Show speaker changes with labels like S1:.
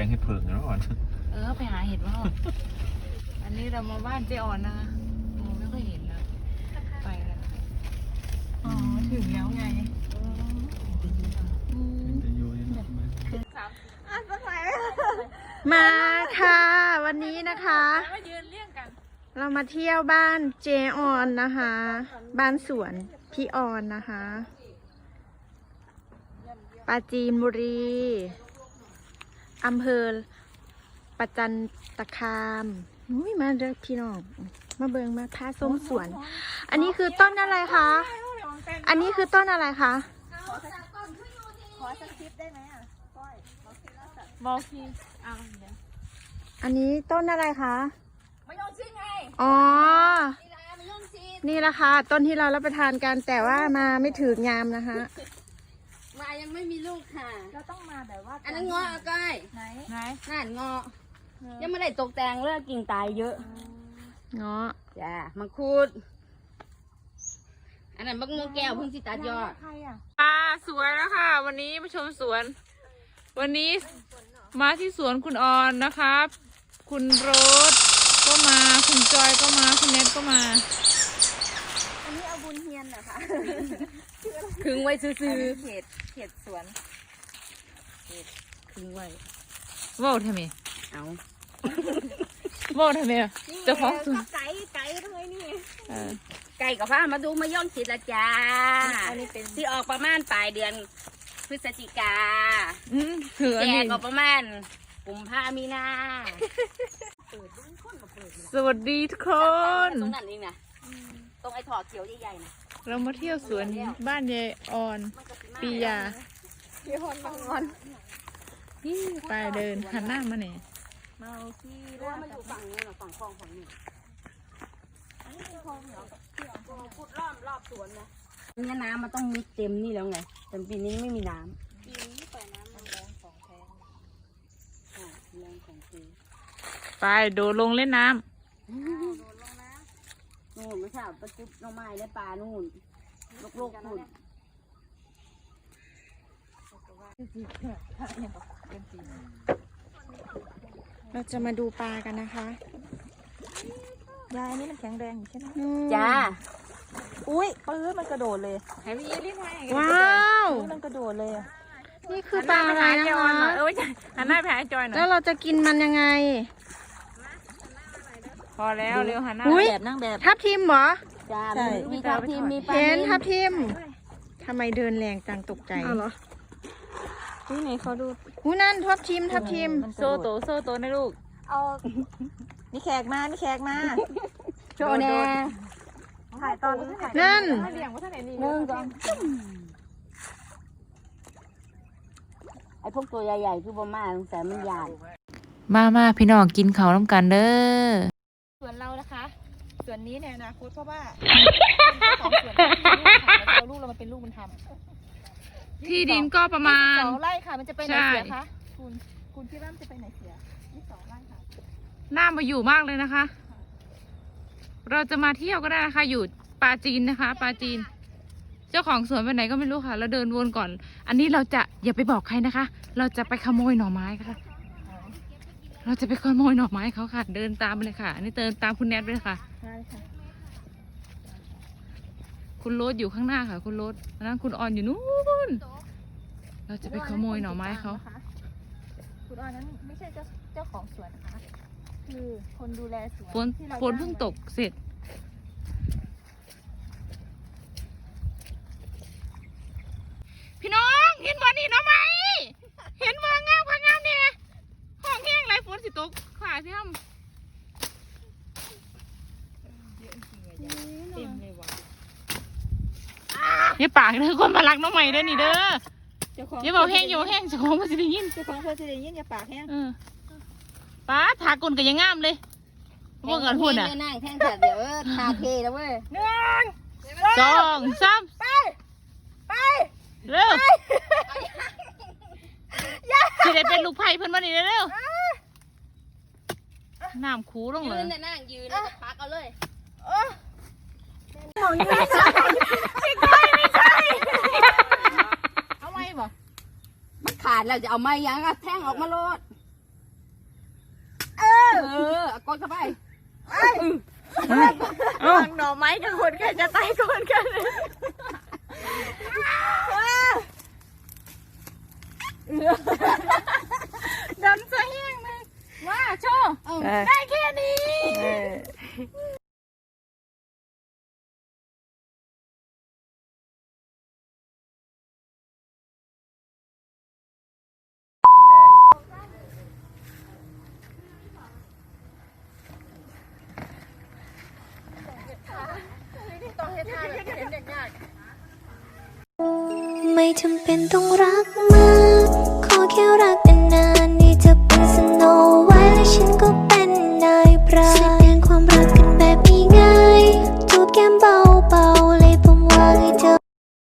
S1: งให้เพิงแล้วก่อน
S2: ไปหาเห็ดว่าอันนี้เรามาบ้านเจอ่อนนะคะไม่ค่อยเห็นนะไปแล้วอ๋อถึงแล้วไง
S3: มาค่ะวันนี้นะคะเรามาเที่ยวบ้านเจออนนะคะ บ้านสวนพี่ออนนะคะปราจีนบุรีอำเภอประจันตคามมาเด้อพี่น้องมาเบิงมาพาส้มสวนอันนี้คือต้นอะไรคะอันนี้คือต้นอะไรคะ
S4: ขอสักคลิปได้ไหมอ่ะก้อย
S2: บอกที
S3: อันนี้ต้นอะไรคะ
S4: มะยงชิดไง
S3: อ๋อนี่แหละค่ะต้นที่เรารับประทานกันแต่ว่ามาไม่ถืองามนะคะ
S4: มายังไม่มีลูกค่ะ
S2: เราต้องมาแบบว่า
S4: อันนั้นเงาะก้อย
S2: ไหน
S4: นั่นเงาะยังไม่ได้ตกแต่งเลิกกิ่งตายเยอะ
S3: เงาะ
S4: จ้ามังคุดอันนั้นบักม่วงแก้วเพิ่งสิตัดยอด
S2: สวยแล้วค่ะวันนี้มาชมสวนวันนี้มาที่สวนคุณออนนะครับ คุณโรสก็มาคุณจอยก็มาคุณเน็ตก็มา
S4: อันนี้เอาบุญเฮียนเหรอคะคึงไว้ซื้อเขตสวนคึงไว้
S2: ว้าวทำไม
S4: เอา
S2: ว้าวทำไมเจ้าของสวน
S4: ไก่ทำไมนี่ไก่กับพ่อมาดูมาย่องจิตละจ้าอันนี้เป็นที่ออกประมาณปลายเดือนพฤศจิกาแก่ก็ประมาณกุมภามีนา
S2: สวัสดีทุกคน
S4: ตรงนั้นเองนะตรงไอ้ถอดเขียวใหญ่ๆนะ
S2: เรามาเที่ยวสวนบ้านยายออนปียา
S4: พี่ฮอนบางอน
S2: นี่ไปเดินหันหน้ามาเนี่ย
S4: เมาที่ว่ามันอยู่ฝั่งนี้หรอฝั่งคลองฝั่งนี้อันนี้เป็นคลองเหรอพูดรอบสวนนะนี่น้ำมันต้องมิดเต็มนี่แล้วไงแต่ปีนี้ไม่มีน้ำปีนี้ปล่อยน้ำมันแรงของแท้แรงของจริง
S2: ไปโดดลงเล่นน้ำ
S4: นู่นไม่ใช่ประจุน้องไม้ในป่านู่นโลกนู่น
S3: เราจะมาดูปลากันนะคะยายนี่มันแข็งแรงอยู่ใช่ไหม
S4: จ้า
S3: อุ้ยปื้อมันกระโดดเลยว้าวมันกระโดดเลยนี่คือปลาอะไรนะคะ
S2: หันหน้าไปหาจอยหน่อย
S3: แล้วเราจะกินมันยังไง
S2: พอแล้วเร็วหันหน้า
S3: แบบนั่งแบบทับทิมเหรอ
S4: จ้ามีทับทิมมีปลา
S3: เห็นทับทิมทำไมเดินแรงจังตกใจ
S2: เหรอนี่ไหนเขาดู
S3: นั่นทับทิม
S2: โซโตนะลูก
S3: เอานี่แขกมา
S4: โชว์แน่
S3: ถ่ายตอนนั่น
S4: ไอ้พวกตัวใหญ่ๆคือบ่มาแต่มันใหญ่
S2: มาพี่น้องกินข้าวน้ำกันเด้อ
S3: ส่วนเรานะคะส่วนนี้ในอนาคตเพราะว่าของส่วนเราลูกเรามาเป็นลูกบุญธรรม
S2: ที่ดินก็ประมาณ
S3: 2 ไร่ค่ะมันจะไปไหนเสียคะคุณคิดว่ามันจะไปไหนเสีย2 ไร่ค่ะ
S2: น่ามาอยู่มากเลยนะคะเราจะมาเที่ยวก็ได้นะคะอยู่ปราจีนนะคะปราจีนเจ้าของสวนไปไหนก็ไม่รู้ค่ะเราเดินวนก่อนอันนี้เราจะอย่าไปบอกใครนะคะเราจะไปขโมยหน่อไม้ค่ะเราจะไปขโมยหน่อไม้เขาค่ะเดินตามไปเลยค่ะอันนี้เดินตามคุณแนทไปเลยค่ะ
S3: ใช่ค่ะ
S2: คุณโรสอยู่ข้างหน้าค่ะคุณโรสอันนั้นคุณออนอยู่นู้นเราจะไปขโมยหน่อไม้เขา
S3: คุณออนนั้นไม่ใช่เจ้าของสวนนะคะคือคนดูแลสวน
S2: ฝนเพิ่งตกเสร็จพี่น้องเห็นบ่อนี่น้องไหมเห็นบ่องามพังงามเนี่ยห้องแห้งไรฝนสิตกขาสิทำเต็มเลยว่ะอย่าปากเด้อคนมารักน้องใหม่เด้อนี่เด้ออย่าบอกแห้งอย่าบอกแห้งเจ้าของเพื่อนจะได้ยิน
S3: เจ้าของเพื่อนจะได้ยินอย่าปากแห้ง
S2: ป้าถากลกันยังงามเลยพวกเงินหุ่นอ่ะ
S4: นั่งแท่งเดี๋ยวทาเทแล้วเว้ย
S2: 1 2 3ไปเร็วสิได้เป็นลูกไผ่เพิ่นมานี่เร็วน้ำคูลงเลย
S4: นั่งยืนแล้วพักเอาเลย
S3: มองนี่ไม่ใช่
S2: เอาไม้บ่
S4: มันขาดแล้วจะเอาไม้ยังแท่งออกมาโลดกดเข้าไป
S3: หน่อไม้กับคนใครจะตายก่อนกันดำจะแห้งเลยว่าโชว์ได้แค่นี้
S1: ไม่จำเป็นต้องรักมาก ขอแค่รักนานๆนี่จะเป็นสโนไวท์และฉันก็